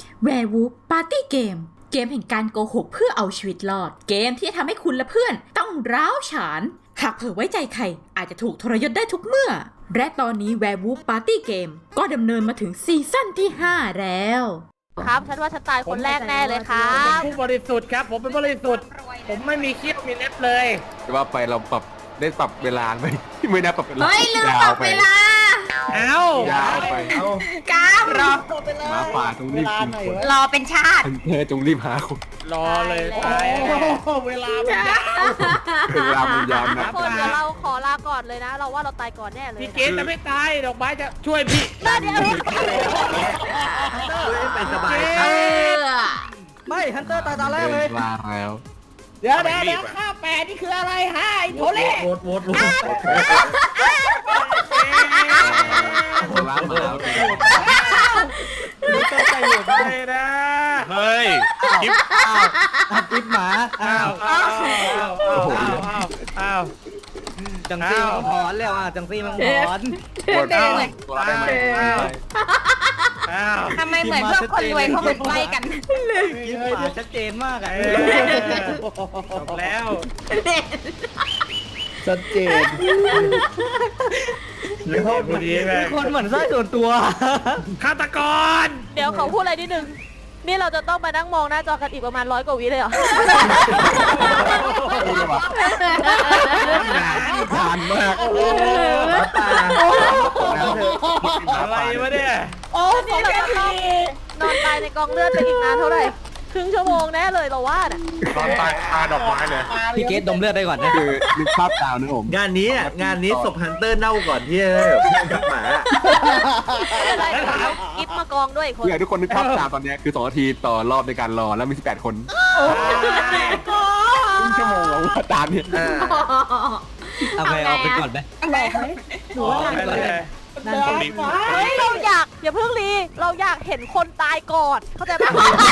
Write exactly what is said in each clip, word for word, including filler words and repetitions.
Werewolf Party Game เกมแห่งการโกหกเพื่อเอาชีวิตรอดเกมที่จะทำให้คุณและเพื่อนต้องร้าวฉานหากเผลอไว้ใจใครอาจจะถูกทรยศได้ทุกเมื่อและตอนนี้ Werewolf Party Game ก็ดำเนินมาถึงซีซั่นที่ห้าแล้วครับฉันว่าฉันตายคนแรกแน่เลยครับผมเป็นผู้บริสุทธิ์ครับผมเป็นบริสุทธิ์ผมไม่มีเขี้ยวมีเล็บเลยจะว่าไปเราปรับได้ปรับเวลาไหมไม่ได้ปรับเวลาเฮ้ยลืมปรับเวลาเอ้ายาวไปเอ้ากามรอหมาป่าจงรีบกินคนรอเป็นชาติเธอจงรีบหาคนรอเลยตายเวลามันยาวเวลามันยาวนะคนเดี๋ยวเราขอลาก่อนเลยนะเราว่าเราตายก่อนแน่เลยพี่เกณฑ์จะไม่ตายดอกไม้จะช่วยพี่เดี๋ยวไปสบายไม่ฮันเตอร์ตายตอนแรกเลยลาแล้วเดี๋ยวเดี๋ยวเดี๋ยวข้าแปดนี่คืออะไรฮะไอ้โถเล่โหวตโหวตโหวตล้างมาแล้วไม่ต้องใจโหวตเลยนะเฮ้ยกิ๊บกิ๊บหมาอ้าวอ้าวอ้าวอ้าวอ้าวจังซี่มังหอนแล้วอ่ะจังซี่มังหอนปวดตัวได้ไหมทำไมเหมือนพวกคนรวยเขาเหมือนใกล้กันกิ๊บหมาชัดเจนมากอ่ะจบแล้วชัดเจนคนเหมือนไส้ส่วนตัวฆาตกรเดี๋ยวเขาพูดอะไรนิดนึงนี่เราจะต้องมานั่งมองหน้าจอกันอีกประมาณร้อยกว่าวิเลยเหรอผ่านมากอะไรวะเนี่ยโอ้นี่เราจะต้องนอนตายในกองเลือดไปอีกนานเท่าไหร่ครึ่งชั่วโมงแน่เลยเราว่าน่ะตอนตายคาดอกไม้เลยพี่เกตดมเลือดได้ก่อนนะคือนึกภาพตามนึกผมงานนี้งานนี้ศพฮันเตอร์เน่าก่อนที่จะกับหมาอะไรเอากิฟมากองด้วยคนคือทุกคนนึกภาพตามตอนนี้คือสองนาทีต่อรอบในการรอแล้วมีสิบแปดคนครึ่งชั่วโมงแล้วตามเนี่ยเอาไปเอาไปก่อนไหมหนูว่าเฮ้ยเราอยากอย่าเพิ่งรีเราอยากเห็นคนตายก่อนเข้าใจไหม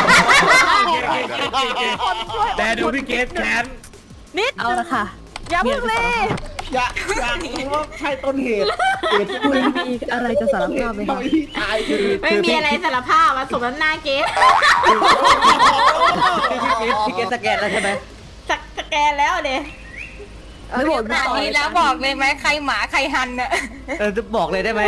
คนช่วยแต่ดูพี่เกตแขนนิดเอาละค่ะอย่าเพิ่งรีอย่าอย่ารู้ว่าใช่ต้นเหตุเหตุคุณมีอะไรจะสารภาพไหมครับไม่มีอะไรสารภาพมาสมน้ำหน้าเกสพี่เกสสแกนแล้วใช่ไหมสแกนแล้วเด้ไม่บอกแบบนี้แล้วบอกเลยไหมใครหมาใครหันเนี่ยเออจะบอกเลยได้ไหม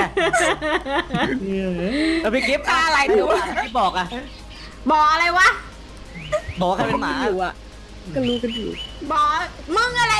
แล้วพี่กิฟต์อะไรดูอ่ะพี่บอกอ่ะบอกอะไรวะบอกใครเป็นหมาอยู่อ่ะก็รู้กันอยู่บอกมึงอะไร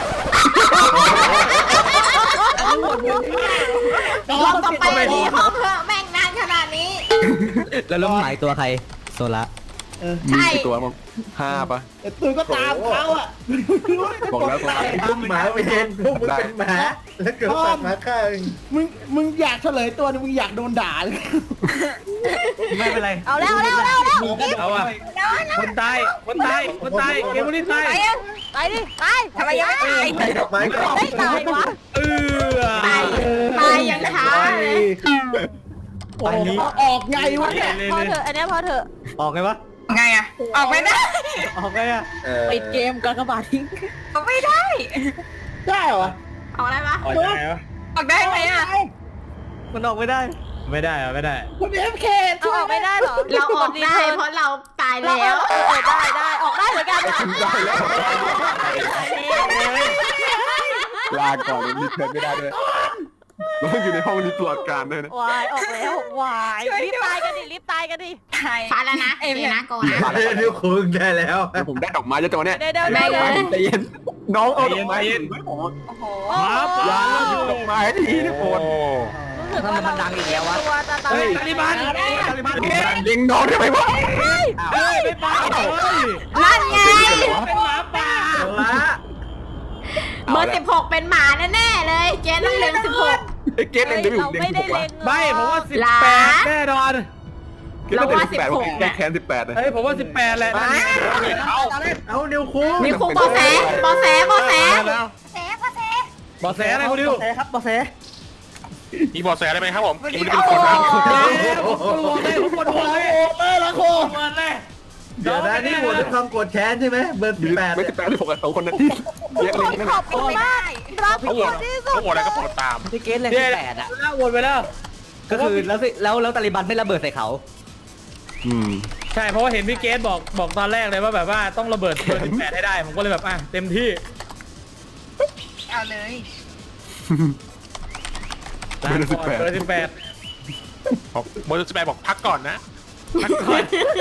ลองต่อไปดีห้องเถอะแม่งนานขนาดนี้แล้วล้มหมายตัวใครโซล่ามีตัวมั้งห้าปะตัวก็ตามเขาอ่ะบอกแล้วพวกหมาไม่เห็นพวกมึงเป็นหมาแล้วเกิดสัตว์มาฆ่ามึงมึงอยากเฉลยตัวนึงมึงอยากโดนด่าเลยไม่เป็นไรเอาแล้วเอาแล้วเอาแล้วเอาอ่ะคนตายคนตายคนตายเกมนี้ตายตายดิตายทำไมยังไม่ตายตายดอกไม้ก่อนตายวะเออตายตายยังช้าเลยอันนี้ออกไงวะเนี่ยพอเถอะอันนี้พอเถอะออกไงวะไงอะออกไม่ได้ออกไงอะปิดเกมกากบาททิ้งออกไม่ได้ได้เหรอออกได้ปะออกได้เหรอออกได้ไหมอะมันออกไม่ได้ไม่ได้อะไม่ได้คุณเอฟเคออกไม่ได้เหรอเราออกได้เพราะเราตายแล้วเออได้ได้ออกได้เหมือนกันลาก่อนรีเทิร์นไม่ได้ด้วยเราต้องอยู่ในห้องนี้ตลอดการด้วยนะวายออกแล้ววายรีบตายกันดิรีบตายกันดิฟ้าแล้วนะเอ็มนะก่อนนะนิ้วคุงได้แล้วผมได้ดอกไม้จะตัวเนี้ยเดี๋ยวเดี๋ยวเดี๋ยวใจเย็นน้องเอาดอกไม้ไม่พอโอ้โหยาดอกไม้ทีนี่ปวดทำไมมันดังอีกแล้ววะเฮ้ยตาลิบันตาลิบันยิงน้องได้ไหมวะเฮ้ยไม่ป่านั่นไงเป็นหมาป่าเบอร์สิบหกเป็นหมาแน่ๆเลยเกณฑ์ต้องเล็งสิบหกเกณฑ์เล็งเดี๋ยวอยู่ไม่ได้เล็งไม่ผมว่าสิบแปดแน่นอนเราว่าสิบหกแค่แคนสิบแปดเลยเฮ้ยผมว่าสิบแปดแหละเอาเอานิวคูนิวคูบอแสบอแสบอแสแสบอแสบอแสอะไรคุณดิวแสครับบอแสมีบอแสได้ไหมครับผมคุณดิวเป็นคนนะคุณดิวเลยคุณคนเลยเลยละคนเลยเดี๋ยวนะนี่โหวตด้วยความโกรธแค้นใช่ไหมเบอร์สิบแปดไม่สิบแปดที่ผมกับสองคนนั้นที่เรียกเล็งนั่นขอบคุณมากรักที่สุดเขาโหวตอะไรก็โหวตตามพี่เกสเลยสิบแปดอ่ะโหวตไปแล้วก็คือแล้วสิแล้วแล้วตาลิบันไม่ระเบิดใส่เขาอืมใช่เพราะว่าเห็นพี่เกสบอกบอกตอนแรกเลยว่าแบบว่าต้องระเบิดเบอร์สิบแปดให้ได้ผมก็เลยแบบอ่ะเต็มที่เอาเลยลาก่อนเบอร์สิบแปดบอกเบอร์สิบแปดบอกพักก่อนนะพักก่อน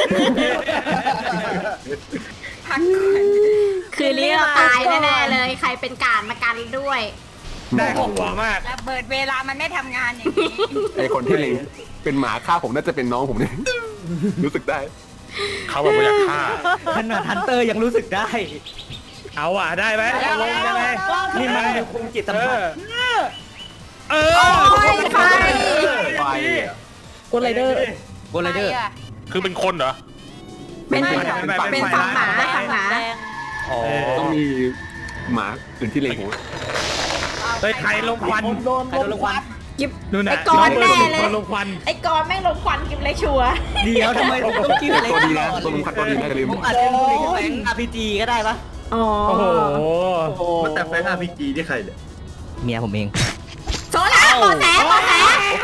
พักก่อนคืนนี้เราตายแน่ๆเลย ใครเป็นการมากันด้วยได้ของหัวมากระเบิดเวลามันไม่ทำงานอย่างนี้ไอคนที่เล็งเป็นหมาฆ่าผมน่าจะเป็นน้องผมเนี่ย รู้สึกได้เขาแบบว่าอยากฆ่าขนาดฮันเตอร์ยังรู้สึกได้เอาอ่ะได้ไหมเอาลงยังไงนี่มันยังคงจิตสัมเอผัสอเออโอ้ยไฟไฟกดไรเดอร์กดไรเดอร์ใคอะคือเป็นคนเหรอเป็นไม่เป็นฝั่งหมาฝั่งหมาแดงอ๋อต้องมีหมาอื่นที่เล็งผมเฮ้ยใครลงควันใครโดนรางวัลกิบนู่นน่ะไอ้กอนแน่เลยลงควันไอ้กอนแม่งลงควันกิบเลยชัวร์เดี๋ยวทำไมผมต้องกิ้วเล็กตัวดีนะตลอดตัวมึงคัดตัวดีนะอย่าลืมผมอาจจะดูในแบงค์ อาร์ พี จี ก็ได้ปะอ๋อโอ้โหมันแต่แฟนอาร์พีจีที่ใครเนี่ยเมียผมเองโซล่าโบแสโบแส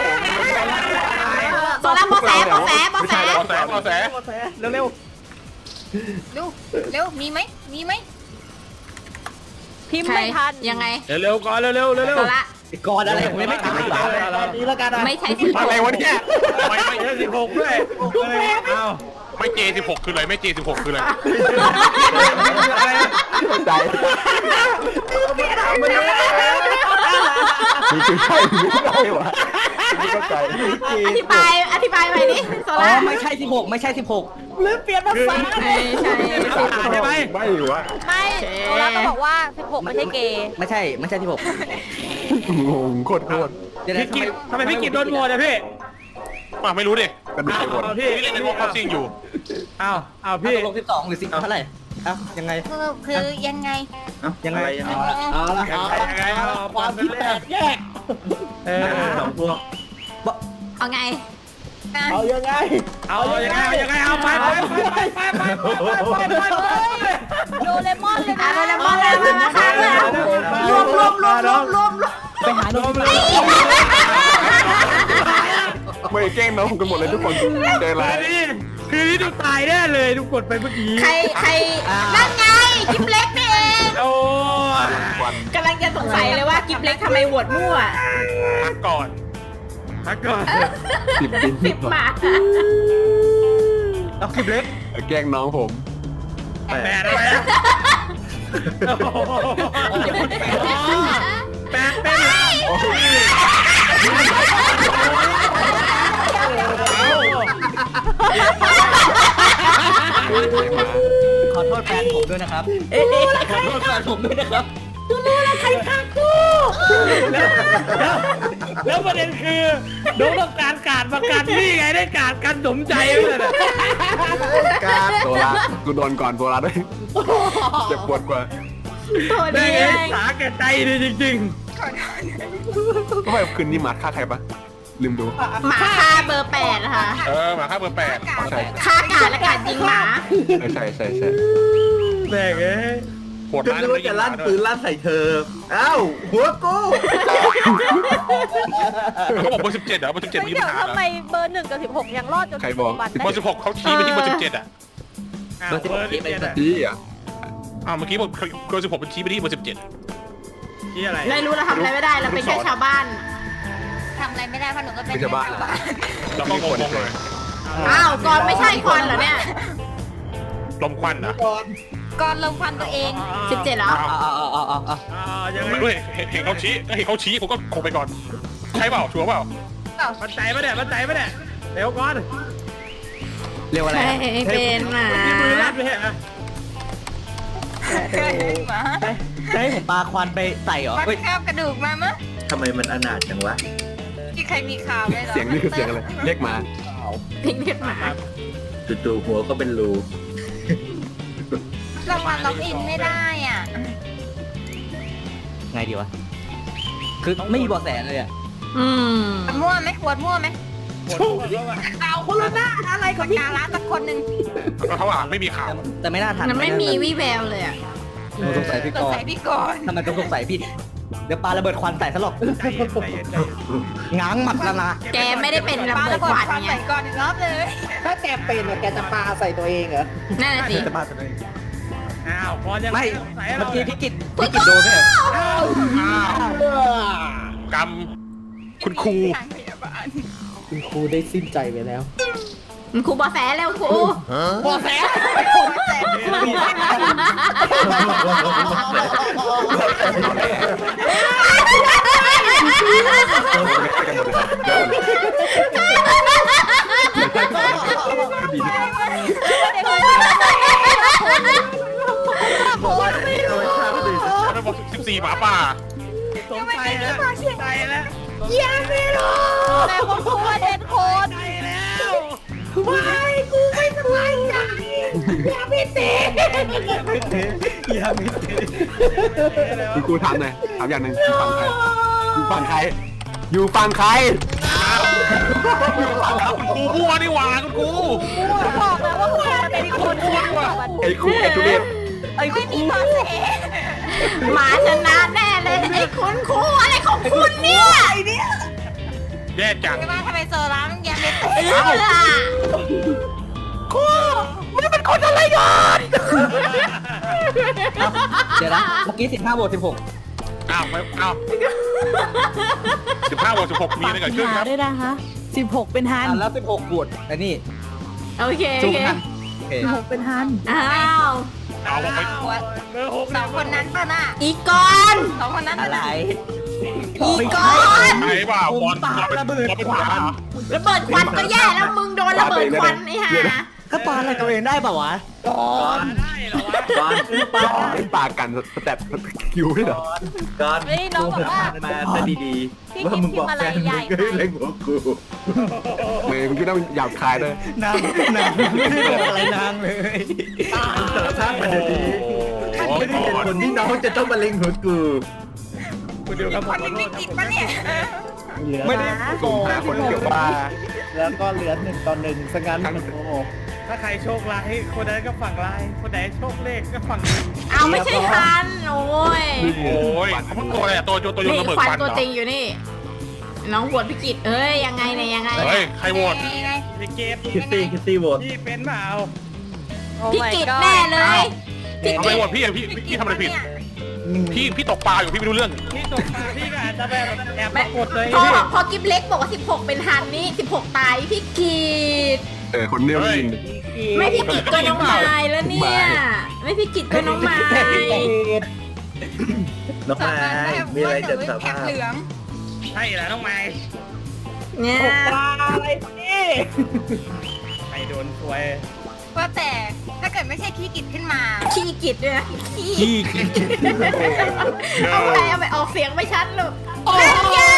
โซล่าโบแสโบแสโบแสบอแสบอแสเร็วเร็วเร็วมีไหมมีไหมพิมพ์ใครไม่ทันยังไงเร็วๆก่อนเร็วๆเร็วโซล่าๆก่อนอะไรผมยังไม่ตายตอนนี้แล้วกันนะไม่ใช่สิอะไรวะเนี่ยไม่ไม่เดี๋ยวสิบหกด้วยเอาไม่เจสิบหกคืออะไรไม่เจสิบหกคืออะไรใจมันคือใช่ไม่ใช่วะไม่เข้าใจอธิบายอธิบายใหม่ดิโซอ๋อล่าไม่ใช่สิบหกไม่ใช่สิบหกหรือเปลี่ยนภาษาไม่ใช่ใช่ไหมไม่วะไม่โซล่าก็บอกว่าสิบหกไม่ใช่เกย์ไม่ใช่ไม่ใช่สิบหกงงโคตรโคตรเดี๋ยวนะพี่กิจทำไมพี่กิจโดนโหวตอะพี่มาไม่รู้ดิกันดูไปหมดเอาพี่พี่เล่นในวอลคัพซิงอยู่เอาเอาพี่พี่ตกลงสิบสองหรือสิบเท่าไหร่เอ้ายังไงคือคือยังไงเอ้ายังไงยังไงเอาละยังไงยังไงเอาความคิดแตกแยกเออสองพวกเอาไงเอายังไงเอายังไงเอายังไงเอาไปไปไปไปไปไปไปไปโดเรมอนเลยอะนะโดเรมอนเลยมาค่ะรวมรวมรวมรวมรวมรวมไปหาโดนไม่แกล้งน้องผมกันหมดเลยทุกคนใจร้ายคืนนี้คืนนี้ดูตายแน่เลยดูกดไปเมื่อกี้ใครใครนั่นไงกิฟเล็กนี่เองโอ้ควันกำลังจะสงสัยเลยว่ากิฟเล็กทำไมโหวตมั่วพักก่อนพักก่อนสิบดินสิบหมาเอาคลิปเล็กแกล้งน้องผมแปดอะไรนะแปดเป็นขอโทษแฟนผมด้วยนะครับขอโทษแฟนผมด้วยนะครับแล้วประเด็นคือน้องต้องการการประกันนี่ไงได้การกันสมใจเลยนะการโซลากูโดนก่อนโซลาด้วยเจ็บปวดกว่าตัวได้นี้ไงเองสาแก่ใจดีจริงก็ไปคืนนี้หมาฆ่าใครปะลืมดูหมาฆ่าเบอร์แปดค่ะเออมาค่าเบอร์แปดใช่ฆ่ากาดและกาดยิงหมาใช่ใช่ใช่ใช่ๆแม่งเอ้ยปวดก็ร้านนึกว่าจะลั่นปืนลั่นใส่เธอ เอ้าหัวกูเขาบอกเบอร์สิบเจ็ดเหรอเบอร์สิบเจ็ดไม่มีเดี๋ปัยวญหาทำไมเบอร์หนึ่งกับสิบหกยังรอดจนถึงปัจจุบันเบอร์สิบหกเขาชี้ไปที่เบอร์สิบเจ็ดอ่ะอ้าวเบอร์สิบหกเบอร์สิบเจ็ดอะพี่อ่ะอ้าวเมื่อกี้บอกเบอร์สิบหกเป็นชี้ไปที่เบอร์สิบเจ็ดชี้อะไรเลยรู้เราทำอะไรไม่ได้เราเป็นแค่ชาวบ้านทำอะไรไม่ได้เพราะหนูก็เป็นไม่ใช่บ้านแล้วก็งงๆเลยอ้าวกอนไม่ใช่คอนเหรอเนี่ยลมควันนะก่อนลงควันตัวเองสิบเจ็ดเหรอเอาเอาเอาเอาเอาเอาอ่ายังไงไม่รู้เห็นเห็นเขาชี้เห็นเขาชี้ผมก็คงไปก่อน ใช่เปล่าชัวร์เปล่ามันใจปะเนี่ยมันใจปะเนี่ยเร็วก่อนเรียกว่าอะไรใช่เป็นหมาที่มือลั่นไปเหรอหมาจะให้ผมปาควันไปใส่เหรอวัดเฮ้ยคาบกระดูกมามั้ยทำไมมันอนาถจังวะที่ใครมีข่าวไหมหรอเสียงนี่คือเสียงอะไรเรียกหมาพิงเรียกหมาจู่ๆหัวก็เป็นรูลงมาล็อกอินไม่ได้อ่ะไงดีวะ คือไม่มีเบาะแสเลยอ่ะอืมมั่วไหมขวดมั่วไหมปวดหัวว่ะเอาคนละหน้าอะไรของพี่การ้านสักคนหนึ่งแล้วเขาอ่านไม่มีข่าวแต่ไม่น่าทันมันไม่มีวี่แววเลยอ่ะผมสงสัยพี่สกงรสัยพี่ก่อนทำไมต้องสงสัยพี่เดี๋ยวปาระเบิดควันใส่ซะหรอกใจเย็นใจเย็นใจเย็นง้างหมัดแล้วนะแกไม่ได้เป็นระเบิดควันไงใส่ก่อนอีกรอบเลยถ้าแกเป็นอะแกจะปาใส่ตัวเองเหรอนั่นน่ะสิจะมาตัวเองอ้าวพอยังไม่สงสัยเมื่เราอกี้พี่กิตพี่กิตโดนไหมเนี่ยอ้าวกรรมคุณครูคุณครูได้สิ้นใจไปแล้วครูบอแสแล้วครูบอแสระบบสิบสี่หมาป่าสงสัยแล้วใจแล้วแต่คนครูว่าเด่นคนใจแล้วคุณครูถามหน่อยถามอย่างหนึ่งอยู่ฝั่งใครอยู่ฝั่งใครอยู่ฝั่งใครคุณครูมั่วนี่หว่าคุณครูบอกแล้วว่าครูมันเป็นคนที่แบบมันไอ้ครูไอ้ทุเรศไม่มีบอแสหมาชนะแน่เลยไอ้คุณครูอะไรของคุณเนี่ยแย่จังไม่ว่าทำไมโซล่ามันแยมไม่เตะเออเดี๋ยวนะเมื่อกี้สิบห้าบวกสิบหกอ้าวไม่อ้าวสิบห้าบวกสิบหกมีอะไรเกิดขึ้นครับด้วยนะคะสิบหกเป็นฮันอ่ะแล้วสิบหกบวกไอ้นี่โอเคโอจุ๊บเคกันโอเคสิบหกเป็นฮันอ้าวเอาบอกไปเบอร์หกสองคนนั้นป่ะน่ะอีกอนสองคนนั้นอะไรอีกอนไหนว่าบอลเราเป็นเราเป็นหมาระเบิดควันก็แย่แล้วมึงโดนระเบิดควันไอ้ห่าก็ปาอะไรตัวเองได้ป่าวะได้เหรอวะก่อนปาไอ้ปากันสเต็ปคิวด้วยเหรอก่อนเฮ้ยน้องบอกว่ามาซะดีพี่ๆว่าคิดมึงพิบมอกพ์อะแฟไรนมึใหญ่งก็เล่นหัวกูเมย์มึงคิดว่ามึงหยาบคายด้วยไม่ได้บอกอะไรนางเลยสารภาพมาดีโอ้ๆไม่ได้เป็นโหคนที่น้องจะต้องมาเล่นหัวกูคุณเดียวครับผคมนขอนึงโทษไม่ติดปะเนี่ยเหลือไม่ได้กลุ่มหาคนเกี่ยวปลาแล้วก็เหลือหนึ่งต่อหนึ่งสังงั้นโอ้โหถ้าใครโชคร้ายคนนั้นก็ฝั่งร้ายคนไหนโชคเลขก็ฝั่งดีเอาไม่ใช่คันโอ้ยโอ้ยเขาเป็นตัวอะไรอะตัวตัวโยนนี่ระเบิดควันควันตัวเหรอจริงอยู่นี่ น้องบวชพิกิตเอ้ยยังไงเนี่ยยังไงเฮ้ยใครโหวตยังไงพี่เกมคิตตี้คิตตี้โหวตพี่เป็นเปล่าพิกิตแน่เลยพิทำไมกิตโหวตพี่อะพี่พี่ทำอะไรผิดพี่พี่ตกปลาอยู่พี่ไม่รู้เรื่องพี่ตกปลาพี่ก็อาจจะแบบแอบมากดเลยพอพี่พอกิฟเล็กบอกว่าสิบหกเป็นฮันนี่สิบหกตายพี่กิตเออคนเนี้ยยินไม่พี่กิตก็น้องไม้แล้วเนี่ยไม่พี่กิตก็น้องไม้น้องไม้มีอะไรจะสารแคภาปพเหลืองใช่เหรอน้องไม้เนี่ยอะไรนี่ใครโดนซวยว่าแต่ถ้าเกิดไม่ใช่พี่กิจขึ้นมาขี้กิตด้วยนะขี้ขี้เอาไปเอาไปออกเสียงไม่ชัดลูกโอ้ย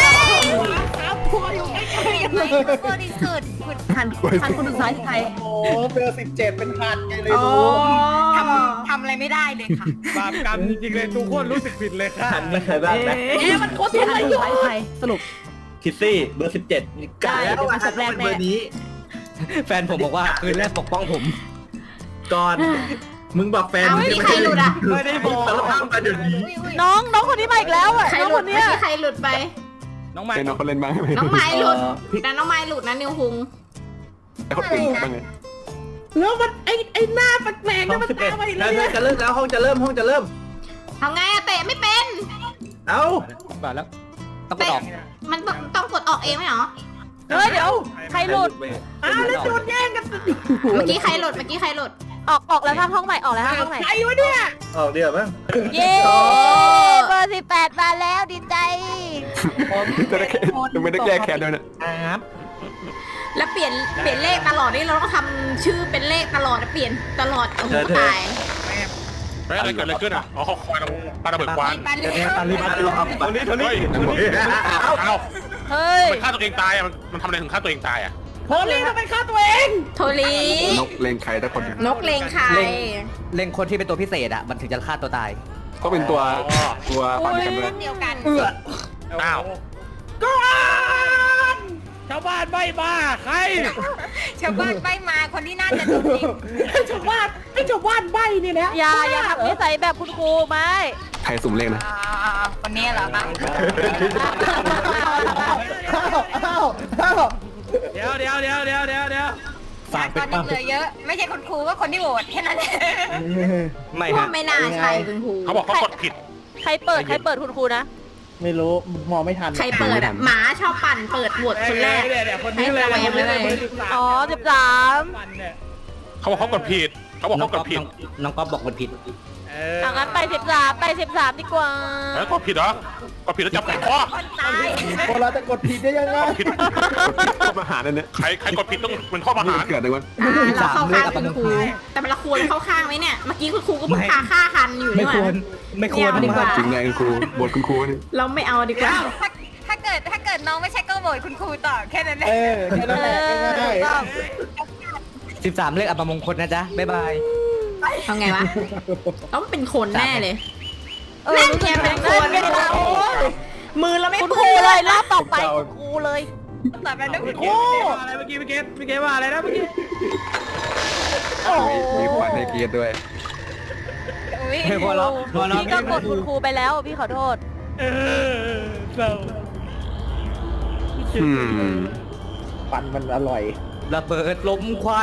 ยังไงบริสุทธิ์คุณฮันฮันคนสุดท้ายคือใครโอ้เบอร์สิบเจ็ดเป็นพันไงเลยอ๋อรู้ทำทำอะไรไม่ได้เลยค่ะบาปกรรมจริงๆเลยทุกคนรู้สึกผิดเลยค่ะหันไม่เคยบ้างนะเอ๊ะมันโคตรฮันคนสุดท้ายคือใครสรุปคิตตี้เบอร์สิบเจ็ดกะแล้วว่าจะเป็นเบอร์นี้แฟนผมบอกว่าคืนแรกปกป้องผมก่อน มึงบอกแฟนเอามึงไม่มีจะใครหลุดอ่ะไม่ได้บอกสารภาพมาเดี๋ยวนี้น้องน้องคนนี้มาอีกแล้วอ่ะใครน้องหลุคดนเมื่เนี้อย กี้ใครหลุดไปน้องไม้เป็นน้องเขาเล่นบ้างไหมน้องไม้หลุดเออพี่แต่น้องไม้หลุดนะนิวคุงไอ้คนอื่นบ้างไงแล้วมันไอไอหน้าแปลกๆห้นั่อน งมันสิบเอ็ดตามมาอีกแล้แล้ว วจะเริ่มแล้วห้องจะเริ่มห้องจะเริ่มทำไงอะเตะไม่เป็นเอ้าบาทแล้วต้องกดออกมันต้องต้องกดออกเองไหมเหรอเฮ้ยเดี๋ยวใครหลุดอ้าวแล้วโดนแย่งเมื่อกี้ใครหลุดเมื่อกี้ใครหลุดออกออกแล้วทางห้องใหม่ออกแล้วทางห้องใหม่ออกเดี๋ยวมั้งเย้เบอร์สิบแปดมาแล้วดีใจจะได้แค่จะไม่ได้แก้แค้นด้วยนะครับแล้วเปลี่ยนเปลี่ยนเลขตลอดนี่เราต้องทำชื่อเป็นเลขตลอดนะเปลี่ยนตลอดโอ้โหตายเฮ้ยอะไรเกิดอะไรขึ้นอ่ะอ๋อเขาคอยเราปาระเบิดควันปันเลยตาลีมาลองตอนนี้ตอนนี้เฮ้ยเอ้าเอ้าเฮ้ยมันฆ่าตัวเองตายอ่ะมันมันทำอะไรถึงฆ่าตัวเองตายอ่ะโทลี่ทำไมฆ่าตัวเองโทลีนกเลงใครแต่คนนกเลงใครเล็งคนที่เป็นตัวพิเศษอ่ะมันถึงจะฆ่าตัวตายก็เป็นตัวตัวปั่นกันเลยเดียวกันอ้าวชาวบ้านไม่บ้าใครชาวบ้านไปมาคนที่น่าจะโดนยิงชาวบ้านไอชาวบ้านใบนี่แหละอย่าอย่าทำนิสัยแบบคุณครูไหมใครสุ่มเลขนะอ่าวันนี้เหรอคะอ้าวอ้าวอ้าวเดี๋ยวเดี๋ยวเดี๋ยวเดี๋ยวเดี๋ยวเดี๋ยวฆาตกรยังเหลือเยอะ ไม่ใช่คุณครูก็คนที่โหวตแค่นั้นเองไม่ว่าฮะไม่น่าใช่คุณครูเขาบอกเขากดผิดใครเปิดใครเปิดคุณครูนะไม่รู้มองไม่ทันใครเปิดอ่ะหมาชอบปั่นเปิดโหวตคนแรกเดี๋ยวเดี๋ยวคนนี้เลยคนนี้เลยเบอร์สิบสามอ๋อสิบสามวันเนี่ยเขาบอกเขากดผิด เขาบอกเขากดผิดน้องก๊อฟบอกมันผิดเออเอางั้นไปสิบสามไปสิบสามดีกว่าแล้วกดผิดเหรอกดผิดแล้วจับข้อคนตายพอเราจะกดผิดได้ยังไงกดผิดโทษประหารนั่นเนี่ยใครใครกดผิดต้องเป็นข้อประหารเกิดอะไรวะอ่าเราเข้าข้างคุณครู แต่มันละควรเข้าข้างไหมเนี่ย เมื่อกี้คุณครูก็เพิ่งพาฆ่าฮันอยู่ไม่นี่หควว่ารไม่ควรไม่เอาดีกว่าจริงไงคุณครูบทคุณครูนี่เราไม่เอาดีกว่าถ้าถ้าเกิดถ้าเกิดน้องไม่ใช่ก็โหวตคุณครูต่อแค่นั้นเอเอง อแค่นั้นเอแหละอง่ายต้องสิบสามเลขอัปมงคลนะจ๊ะ บ๊ายบายเอาไงวะ ต้องเป็นคนแน่เลยเออรู้สึกเป็นคนเป็นเรามือเราไม่คุณเปื้ครูอนเลยรอบต่อไปคุณครูเลยต่อไปนะคุณคเกรูมว่าอะไรเมื่อกี้พี่เกมพี่เกมว่าอะไรนะเมื่อกี้มีมีขวัญให้เกียรติด้วยอุ๊ยไม่พอแล้วพอแล้วพี่ก็กดคุณครูไปแล้วพี่ขอโทษเออเศร้าอืมๆปันมันอร่อยระเบิดลมควัน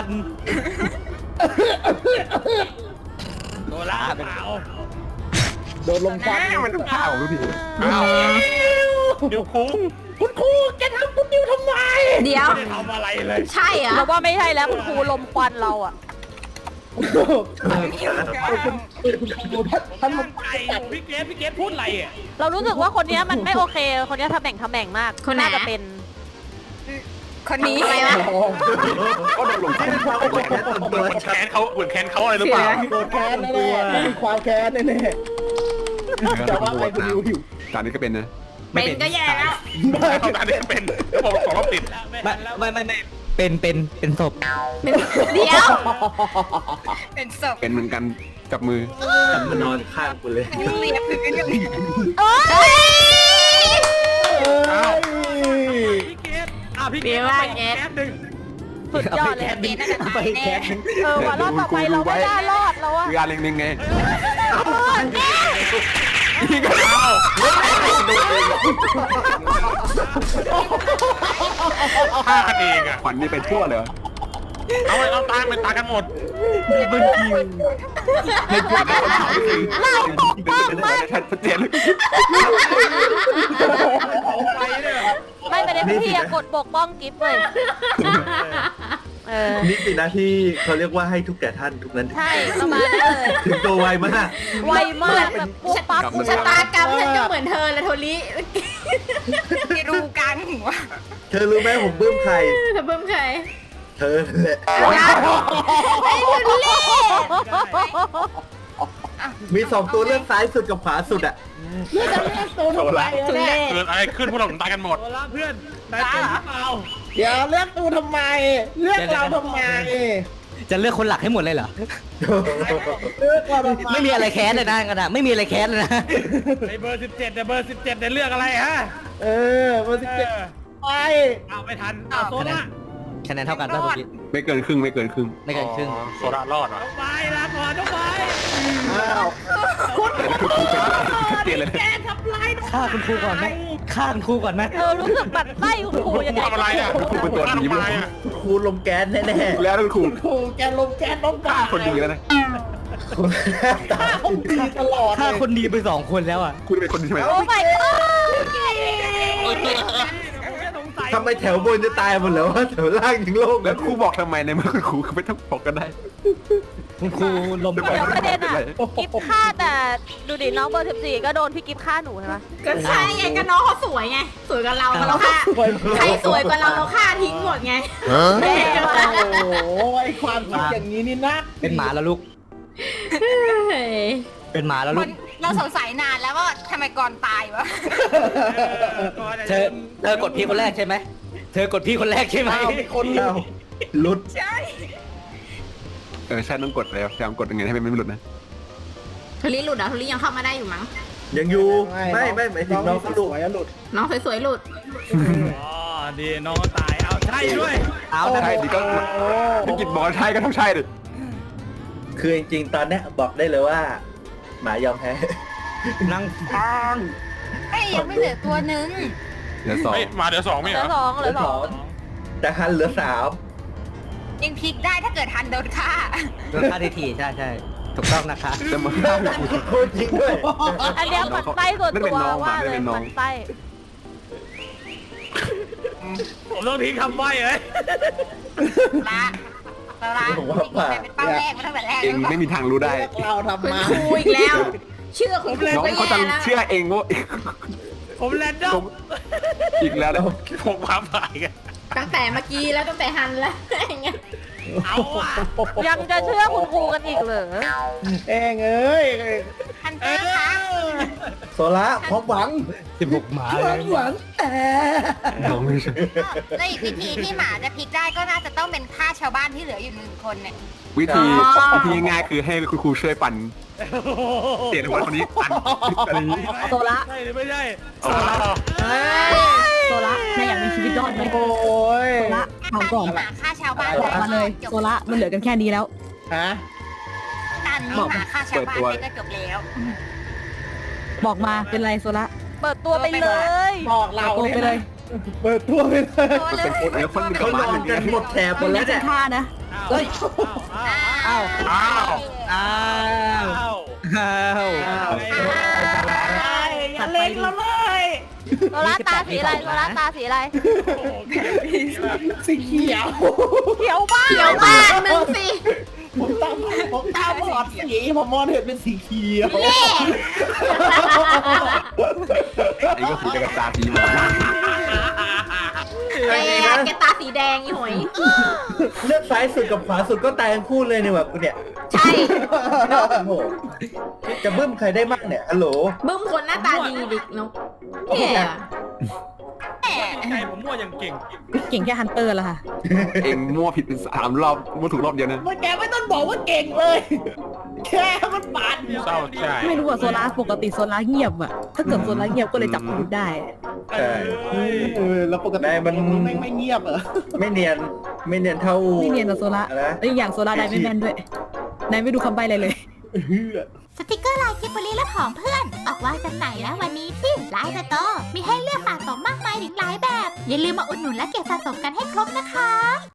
โดนล่าเปล่าโดนลมควันมันต้องข้าวทุกทีอ้าวเดี๋ยวคุ้งคุณครูแกทำคุณนิวทำไมเดี๋ยวไม่ได้ทำอะไรเลยใช่เหรอเราว่าไม่ใช่แล้วคุณครูลมควันเราอ่ะท่านท่านไก่อยู่พี่เกมพี่เกมพูดอะไรอ่ะเรารู้สึกว่าคนเนี้ยมันไม่โอเค คนเนี้ยทำแบ่งทำแบ่งมากคนไหนน่าจะเป็นคนนี้อะไรวะก็โดนลงโทษเหมือนแค้นเขาเหมือนแค้นเขาอะไรหรือเปล่าโดนแค้นแน่ๆมีความแค้นแน่ๆแต่ว่าไงคุณนิวหิวจานนี้ก็เป็นนะเป็นก็แย่แล้วเท่านั้นเองเป็นแล้วบอกสองรอบติดไม่ไม่ไม่ไม่เป็นเป็นเป็นศพเดี๋ยวเป็นศพเป็นเหมือนกันจับมือมันนอนข้างกูเลยเรียบพื้นกันเอ้ยอ้าวพี่เกมอ่ะพี่เกเดี๋ยมวว่าไปแกแก๊สหนึ่งสุดยอดเลยเกณฑ์น่าจะตายแน่เออว่ารอบต่อไปเราไม่ได้รอดแล้วอะคืองานเล็งๆไงฆ่ากันเองอ่ะขวัญนี่ไปทั่วเลยเหรอเอาไว้เราตายเป็นตายกันหมดไม่คิวไม่คิวไม่คนถามจริงเป็นไปได้ชัดเจนเลยไปเนี่ยไม่ประเด็นพี่อะกดปกป้องกิฟต์เลยเออนี่สินะที่เขาเรียกว่าให้ทุกแก่ท่านทุกนั้นใช่ประมาณนั้นเลยถึงตัวไวมากไวมากแบบปุ๊บปั๊บปุ๊บชะปั๊บตากรรมฉันก็เหมือนเธอและโทลิที่รูกลางหัวเธอรู้ไหมผมปลื้มใครเธอเบิ่มใครเธอแหละไอ้โทลิมีสองตัวเลือกซ้ายสุดกับขวาสุดอ่ะทุเรศเกิดอะไรขึ้นพวกเราถึงตายกันหมดโดนล่าเพื่อนนายเป็นหรือเปล่าเดี๋ยวเลือกตูทำไม เลือกเราทำไมจะเลือกคนหลักให้หมดเลยเหรอเลือกเราทำไมไม่มีอะไรแค้นเลยนะกันนะไม่มีอะไรแค้นเลยนะในเบอร์สิบเจ็ดเนี่ยเบอร์สิบเจ็ดเนี่ยเลือกอะไรฮะเออมาสิเอเจ็ดอไปเอาไม่ทันเอาโซล่าคะแนนเท่ากันป่ะพี่ไม่เกินครึ่งไม่เกินครึ่งไม่เกินครึ่งโซดารอดเหรอต้องไปลาก่อนต้องไปอ้าวชัดเจนเลยฆ่าคุณครูก่อนไหมฆ่าคุณครูก่อนไหมเออรู้สึกบัดไส้คุณครูยังไงทำอะไรอ่ะครูเป็นตัวหนีทำอะไรอ่ะครูลมแก๊สแน่แล้วครูๆครูแกลมแก๊สต้องตายคนดีแล้วนะตาคนดีตลอดฆ่าเลยคนดีไปสองคนแล้วอ่ะคุณเป็นคนดีใช่ไหมโอ้ my god ทำไมแถวบนจะตายหมดแล้ววะแถวล่างยังโล่งแล้วครูบอกทำไมในเมื่อคุณครูเขาไม่ต้องบอกกันได้คุณครูลมเดี๋ยวประเด็นอะกิฟต์ฆ่าแต่ดูดิน้องเบอร์สิบสี่ก็โดนพี่กิฟต์ฆ่าหนูใช่ไหมก็ใช่ไงก็น้องเขาสวยไง สวยกว่าเราเราฆ่าใครสวยกว่าเราเราฆ่าทิ้งหมดไงแย่โอ้มากโหไอความคิดอย่างนี้นี่นะเป็นหมาแล้วลูกเฮ้ยเป็นหมาแล้วคลูนกเราสงสัยนานแล้วว่าทำไมก่อนตายวะเธอเธอกดพี่คนแรกใช่ไหมเธอกดพี่คนแรกใช่ไหมอ้าวมีคนเราหลุดใช่เออใช่ต้องกดแล้วพยายามกดยังไงให้มันไม่หลุดนะโทลิหลุดเหรอโทลิยังเข้ามาได้อยู่มั้งยังอยู่ไม่ไม่หมายถึงน้องหลุดหลุดน้องสวยๆหลุดอ๋อดีน้องตายเอาใช่ด้วยเอานะใช่ดิก็พี่กิจบอกใช่ก็ต้องใช่ดิคือจริงๆตอนเนี้ยบอกได้เลยว่า หมายอมแพ้นั่งฟังไม่ยังไม่เหลือตัวหนึ่งเดี๋ยวสองเฮ้ยมาเดี๋ยวสองไม่เหเหลืรออสองเหเหลืลืออสสออง งแต่ฮันเหลือสามยังพลิกได้ถ้าเกิดทันโดนฆ่าโดนฆ่าทีทีใช่ใช่ถูกต้องนะคะจะมาฆ่ากูโคตรจริงด้วยอันเนี้ยมันไส้ส่วนตัวว่าเลยมันไส้ผมต้องทิ้งคำใบ้เลยละละจริงๆเป็นเป้าแรกมาตั้งแต่แรกเองไม่มีทางรู้ได้เราทำคุณมาครูอีกแล้ว เชื่อคุณครูน้องก็เขาแย่จะแล้วเชื่อเองว่าผมแรนดอมอีกแล้วนะพวกความหมายกันตั้งแต่เมื่อกี้แล้วตั้งแต่ฮันแล้วอย่างเงี้ยเอาว่ะยังจะเชื่อคุณครูกันอีกเหรอเองเอ้ยฮันเตอร์คะโซล่าความหวังสิบหกหมาความหวังแต่น้องไม่ใช่แล้วอีกวิธีที่หมาจะพลิกได้ก็น่าจะต้องเป็นฆ่าชาวบ้านที่เหลืออยู่หนึ่งคนเนี่ยวิธีวิธีง่ายๆคือให้คุณครูช่วยปั่นเสียงหัวคนนี้ปั่นอะไรอย่างนี้โซละใช่หรือไม่ใช่อ้าวโซละนายอยากมีชีวิตรอดไหมโอ้ยโซละเอาก่อนหมาฆ่าชาวบ้านบอกมาเลยจบโซละมันเหลือกันแค่นี้แล้วฮะตันนี่หมาฆ่าชาวบ้านไปก็จบแล้วบอกมาเป็นไรโซละเปิดตัวไปเลยบอกเราโกงไปเลยเปิดตัวไปเลยตัวมันเลเป็นคนยแล้วคนกลัเขาบนบ้านออน ย่างกัเงี้นยหมดแถบหมมัดนแล้วจะเนี่ยฆ่านะเฮ้ยอ้าวอ้าวอ้าวอ้าวอ้าวอ้าวอย่าเล็งเราเลยโซล่าตาสีอะไรโซล่าตาสีอะไรสีเขียวเขียวบ้าเขียวบ้านมึงสิผมตามผมตามบอดสีผมมองเห็นเป็นสีเขียวไอ้ก็คือจะกระตาสีหมาแกแกตาสีแดงอีหอยเลือกซ้ายสุดกับขวาสุดก็ตายทั้งคู่เลยเนี่ยแบบกูเนี่ยใช่โอ้โหจะบึ้มใครได้มั่งเนี่ยฮัลโหลบึ้มคนหน้าตาดีดิเนาะเนี่ยใจผมมั่วอย่างเก่งเก่งแค่ฮันเตอร์ละค่ะเองมั่วผิดเป็นสามรอบมั่วถูกรอบเดียวนะมันแกไม่ต้องบอกว่าเก่งเลย แค่มันปาดเศร้าใจไม่รู้อะโซละปกติโซละเงียบอะถ้าเกิดโซละเงียบก็เลยจับพิรุธได้ใช่เออแล้วปกติมันไม่ไม่เงียบเหรอไม่เนียนไม่เนียนเท่าไม่เนียนนะโซละอะไรนะแล้วอีกอย่างโซละได้ไม่แม่นด้วยนายไม่ดูคำใบ้เลยเลยสติกเกอร์ลายกิบบลีและผองเพื่อน ออกวางจำหน่ายแล้ววันนี้ที่ไลน์สโตร์มีให้เลือกสะสมมากมายถึงหลายแบบ อย่าลืมมาอุดหนุนและเก็บสะสมกันให้ครบนะคะ